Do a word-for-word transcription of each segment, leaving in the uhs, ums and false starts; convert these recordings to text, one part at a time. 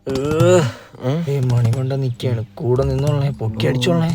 മണി കൊണ്ട് നിക്കാണ്, കൂടെ നിന്നോളേ, പൊക്കി അടിച്ചോളേ.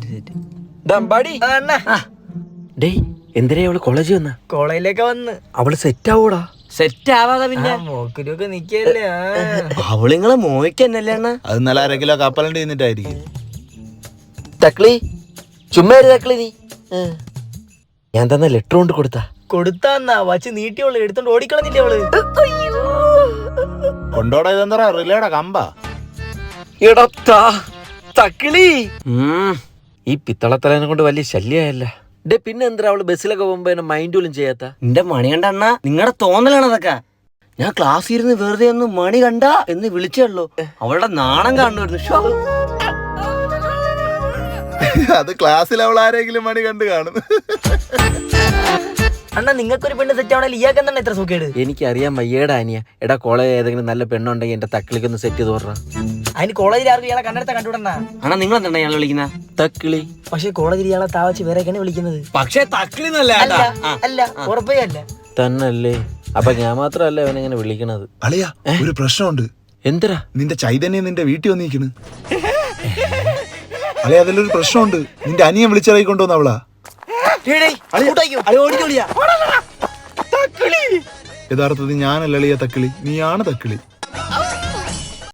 എന്തിനാ അവള് കോളേജ് വന്ന? കോളേജിലേക്ക് വന്ന് അവള് സെറ്റ് ആവൂടാ? സെറ്റ് ആവാതെ പിന്നെ മോക്കിലൊക്കെ നിക്കല്ലേ. അവളിങ്ങളെ മോയ്ക്കന്നല്ലേ അണ്ണ? അത് നല്ല അര കിലോ കപ്പലണ്ടി തിന്നിട്ടായിരിക്കും. തക്കളി ചുമ്മാ തക്കളി, നീ ഞാൻ തന്ന ലെറ്റർ കൊണ്ട് കൊടുത്താ കൊടുത്താന്നാ വച്ച് നീട്ടിയോള് എടുത്തോണ്ട് ഓടിക്കളഞ്ഞില്ലേ അവള്. കൊണ്ടോടാ, ഇതെന്താ റിലേടാ കമ്പാ? എടത്താ തക്കിളി, ഈ പിത്തളത്തലേനെ കൊണ്ട് വലിയ ശല്യമായല്ല. ഡേ പിന്നെ എന്താ അവള് ബസ്സിലൊക്കെ പോകുമ്പോ എന്നെ മൈൻഡ് പോലും ചെയ്യാത്ത? എന്റെ മണി കണ്ട അണ്ണ, നിങ്ങളുടെ തോന്നലാണ് അതൊക്കെ. ഞാൻ ക്ലാസ്സിൽ ഇരുന്ന് വെറുതെ ഒന്ന് മണി കണ്ട എന്ന് വിളിച്ചുള്ളൂ. അവളുടെ നാണം കാണുമായിരുന്നു. അത് ക്ലാസ്സിൽ അവൾ ആരെങ്കിലും മണി കണ്ടു കാണും. അണ്ണാ നിങ്ങൾക്കൊരു പെണ്ണ് സെറ്റ് ആവണല്ലോ, ഇയാൾക്ക് എന്താണ് ഇത്ര സുഖേട്? എനിക്കറിയാം വയ്യേടാ അനിയ. എടാ കോളേജ് ഏതെങ്കിലും നല്ല പെണ്ണുണ്ടെങ്കിൽ എന്റെ തക്കിളിക്കൊന്ന് സെറ്റ് ചെയ്ത് പറഞ്ഞ. അതിന് കോളേജിൽ ആർക്കും ഇയാളെ കണ്ടെടുത്ത കണ്ടുവിടണ. അണ്ണാ നിങ്ങൾ എന്താണ് ഇയാളെ വിളിക്കുന്ന? തക്കിളി. പക്ഷെ കോളേജിൽ ഇയാളെ താവച്ച് വേറെയൊക്കെയാണ് വിളിക്കുന്നത്. പക്ഷേ തക്കിളി അല്ല അല്ല, ഉറപ്പേ അല്ല. തന്നല്ലേ? അപ്പൊ ഞാൻ മാത്രല്ല അവനെങ്ങനെ വിളിക്കണത്. അളിയാ, ഒരു പ്രശ്നമുണ്ട്. എന്തരാ? നിന്റെ ചൈതന്യം നിന്റെ വീട്ടിൽ വന്നിരിക്കണ്. അളിയ, അതിലൊരു പ്രശ്നമുണ്ട്. നിന്റെ അനിയൻ വിളിച്ചിറക്കി കൊണ്ടുവന്ന അവളാ. യഥാർത്ഥത്തിൽ ഞാനല്ല അളിയ തക്കിളി, നീയാണ് തക്കിളി.